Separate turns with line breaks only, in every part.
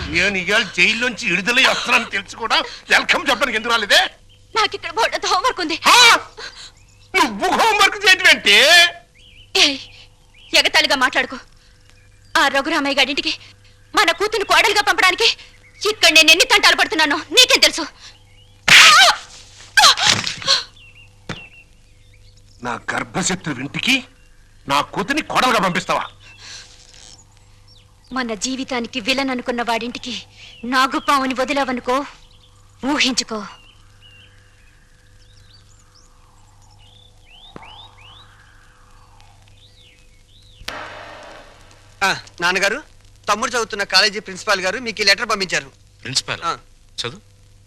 నేను ఇవాళ జైల్లోంచి విడుదలై వస్తున్నాను తెలుసు కూడా వెల్కమ్ చెప్పడానికి ఎందుకు రాలేదే?
నాకు ఇక్కడ బోర్డు హోంవర్క్ ఉంది.
నువ్వు హోంవర్క్ చేయటం ఏంటి?
ఎగతాళిగా మాట్లాడుకో. ఆ రఘురామయ్య గారింటికి మన కూతురు కోడలుగా పంపడానికి ఇక్కడ నేను ఎన్ని తంటాలు పడుతున్నానో నీకేం తెలుసు?
నా గర్భశత్రు ఇంటికి నా కూతుర్ని కోడలుగా పంపిస్తావా?
మన జీవితానికి విలన్ అనుకున్న వాడింటికి నాగుపావుని వదిలావనుకో, ఊహించుకో.
నాన్నగారు, తమ్ముడు చదువుతున్న కాలేజీ ప్రిన్సిపాల్ గారు మీకు ఈ లెటర్ పంపించారు.
ప్రిన్సిపాల్ చదువు.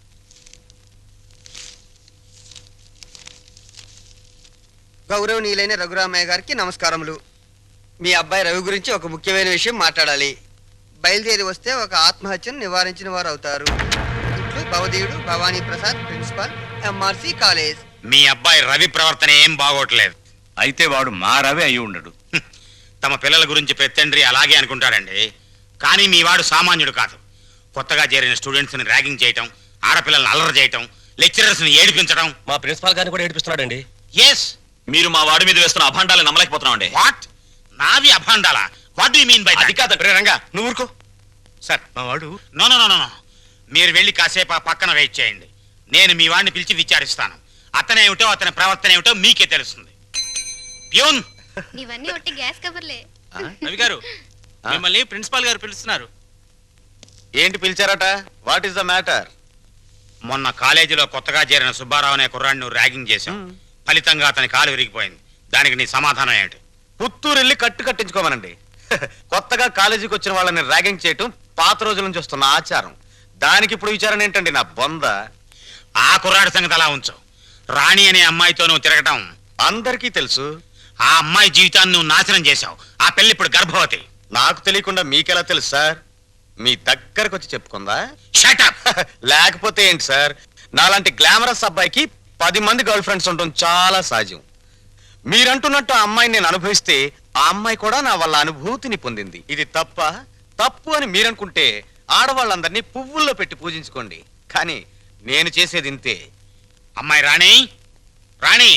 గౌరవనీయులైన రఘురామయ్య గారికి నమస్కారములు. మీ అబ్బాయి రవి గురించి ఒక ముఖ్యమైన విషయం మాట్లాడాలి. బయలుదేరి వస్తే ఒక ఆత్మహత్యను నివారించిన వారు అవుతారు. ఇట్లు భవదీయుడు Bhavani Prasad, principal, MRC college.
మీ అబ్బాయి రవి ప్రవర్తన ఏం బాగోట్లేదు.
అయితే వాడు మా రవి అయి ఉండడు.
తమ పిల్లల గురించి పెద్దండ్రి అలాగే అనుకుంటాడండి. కానీ మీ వాడు సామాన్యుడు కాదు. కొత్తగా చేరిన స్టూడెంట్స్ ని ర్యాగింగ్ చేయటం, ఆడపిల్లల్ని అల్లరి చేయటం, లెక్చరర్స్ ని ఏడిపించడం.
మా ప్రిన్సిపాల్ గారిని కూడా ఏడిపిస్తున్నాడండి.
ఎస్,
మీరు మా వాడి మీద వేస్తున్న అభాండాలు నమ్మలేకపోతున్నామండి.
వాట్? నావి అభాండాలా? What do you mean by that?
అది కాదు రంగా, నువ్వు ఊరుకో.
సార్, మా వాడు నో నో నో నో. మీరు వెళ్ళి కాసేపు ఆ పక్కన వెయిట్ చేయండి. నేను మీ వాడిని పిలిచి విచారిస్తాను. అతనేమిటో అతని ప్రవర్తన ఏమిటో మీకే తెలుస్తుంది. ప్యూన్,
ఇవన్నీ ఒట్టి గ్యాస్ కవర్లే.
రవి గారు, మిమ్మల్ని ప్రిన్సిపాల్ గారు పిలుస్తున్నారు.
ఏంటి పిలిచారట? What is the matter?
మొన్న కాలేజీలో కొత్తగా చేరిన సుబ్బారావు అనే కుర్రాడిని ర్యాగింగ్ చేశాం. ఫలితంగా అతని కాలు విరిగిపోయింది. దానికి నీ సమాధానం ఏంటి?
పుత్తూరు వెళ్ళి కట్టించుకోమనండి. కొత్తగా కాలేజీకి వచ్చిన వాళ్ళని ర్యాగింగ్ చేయటం పాత రోజుల నుంచి వస్తున్న ఆచారం. దానికి ఇప్పుడు విచారణ ఏంటండి నా బొంద?
ఆ కుర్రాడి సంగతి అలా ఉంచు. రాణి అనే అమ్మాయితో నువ్వు తిరగటం
అందరికీ తెలుసు.
ఆ అమ్మాయి జీవితాన్ని నువ్వు నాశనం చేశావు. ఆ పెళ్లి ఇప్పుడు గర్భవతి.
నాకు తెలియకుండా మీకెలా తెలుసు సార్? మీ దగ్గరకు వచ్చి చెప్పుకుందా?
Shut up.
లేకపోతే ఏంటి సార్, నాలాంటి గ్లామరస్ అబ్బాయికి 10 మంది గర్ల్ ఫ్రెండ్స్ ఉండటం చాలా సహజం. మీరంటున్నట్టు ఆ అమ్మాయిని నేను అనుభవిస్తే ఆ అమ్మాయి కూడా నా వల్ల అనుభూతిని పొందింది. ఇది తప్పు అని మీరనుకుంటే ఆడవాళ్ళందరినీ పువ్వుల్లో పెట్టి పూజించుకోండి. కానీ నేను చేసేది ఇంతే.
అమ్మాయి రాణి, రాణి,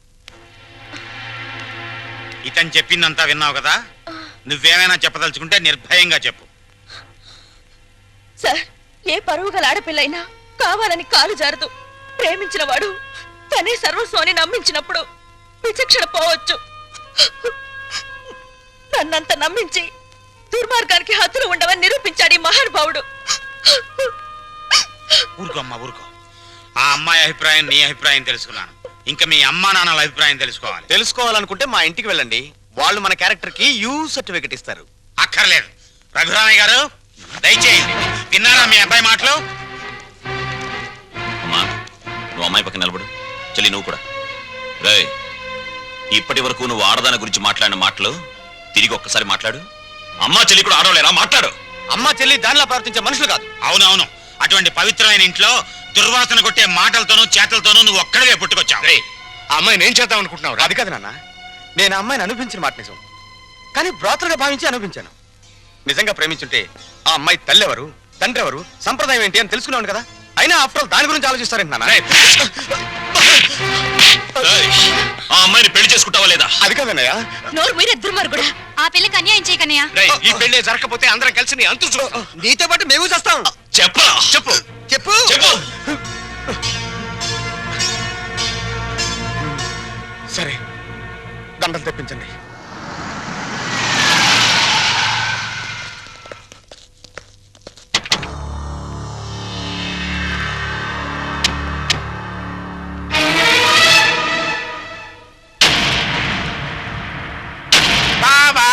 ఇతను చెప్పిందంతా విన్నావు కదా? నువ్వేమైనా చెప్పదలుచుకుంటే నిర్భయంగా చెప్పు.
సార్, ఏ పరువు గల ఆడపిల్లైనా కావాలని కాలు జారదు. ప్రేమించిన వాడు తనే సర్వస్వాన్ని నమ్మించినప్పుడు విచక్షణ పోవచ్చు. నన్నంత నమ్మించి దుర్మార్గానికి హద్దులు ఉండవని నిరూపించాడు ఈ మహానుభావుడు.
ఊరుకో అమ్మా, ఊరుకో. ఆ అమ్మాయి అభిప్రాయం నీ అభిప్రాయం తెలుసుకున్నాను. ఇంకా మీ అమ్మా నాన్నల అభిప్రాయం
తెలుసుకోవాలనుకుంటే మా ఇంటికి వెళ్ళండి. వాళ్ళు మన క్యారెక్టర్ కి యూ సర్టిఫికెట్ ఇస్తారు.
అక్కర్లేదు. రఘురామయ్య గారు, దయచేయండి. విన్నారా మీ అబ్బాయి మాటలు?
అమ్మా, నువ్వు అమ్మాయి పక్కన నిలబడు. చెల్లి, నువ్వు కూడా. రే, ఇప్పటి వరకు నువ్వు ఆడదాని గురించి మాట్లాడిన మాటలు తిరిగి ఒక్కసారి మాట్లాడు. అమ్మా చెల్లి కూడా ఆడవలేరా? మాట్లాడు.
అమ్మా చెల్లి దానిలా ప్రవర్తించే మనుషులు కాదు.
అవునవును. అటువంటి పవిత్రమైన ఇంట్లో దుర్వాసన కొట్టే మాటలతోనూ చేతలతోనూ నువ్వు ఒక్కడే పుట్టుకొచ్చావు.
ఆ అమ్మాయిని ఏం చేద్దాం అనుకుంటున్నావు? అది కాదు నాన్న, నేను ఆ అమ్మాయిని అనుభవించిన మాట నిజం. కానీ బ్రాతలుగా భావించి అనుభవించాను. నిజంగా ప్రేమించుంటే ఆ అమ్మాయి తల్లి ఎవరు, తండ్రి ఎవరు, సంప్రదాయం ఏంటి అని తెలుసుకున్నాను కదా. అయినా ఆఫ్టర్ ఆల్ దాని గురించి ఆలోచిస్తారేంటి నాన్న?
ఆ అమ్మాయిని పెళ్లి చేసుకుంటావా లేదా?
అది కాదన్నయ్య.
నోరు మీరే దుర్మార్గుడా.
ఆ పిల్లకి అన్యాయం చేయకన్నయ్య.
ఈ పెళ్లి జరగకపోతే అందరం కలిసి నీ అంతు చూస్తాం. నీతో పాటు మేము చేస్తాం.
చెప్పరా? చెప్పు
చెప్పు
చెప్పు.
సరే, దండలు తెప్పించండి.
బావా,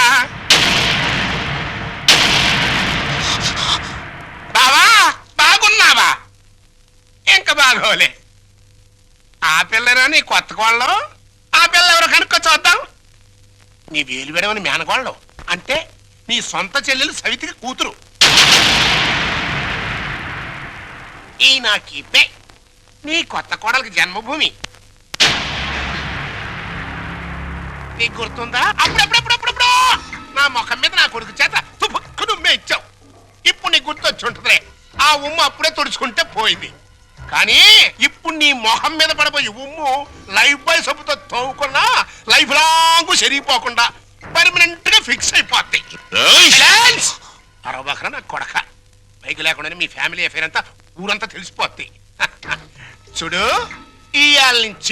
బావా, బాగున్నావా? ఇంకా బాగోలే. ఆ పిల్లరా నీ కొత్త కోళ్ళం? ఆ పిల్ల ఎవరు కనుక్కో చూద్దాం. నీ వేలు విడవని మేనకోళ్ళం అంటే నీ సొంత చెల్లెలు సవితికి కూతురు. ఈ నా కీపే నీ కొత్త కోడలకి జన్మభూమి. నీకు గుర్తుందా? అప్పుడప్పుడప్పుడప్పుడు నా ముఖం మీద నా కొడుకు చేత తుపుక్కు నుమ్మే ఇచ్చావు. ఇప్పుడు నీ నీకు గుర్తొచ్చి ఉంటుందిలే. ఆ ఉమ్ము అప్పుడే తుడుచుకుంటే పోయింది. కానీ ఇప్పుడు నీ మొహం మీద పడబోయి ఉమ్ము లైఫ్ బాయ్ సబ్బుతో తోముకున్నా లైఫ్ లాంగ్ సరిగిపోకుండా పర్మనెంట్ గా ఫిక్స్ అయిపోద్ది. అరవబకరా నా కొడక. బైక్ లేకుండానే మీ ఫ్యామిలీ అఫేర్ అంతా ఊరంతా తెలిసిపోద్ది. చూడు, ఇయాల నుంచి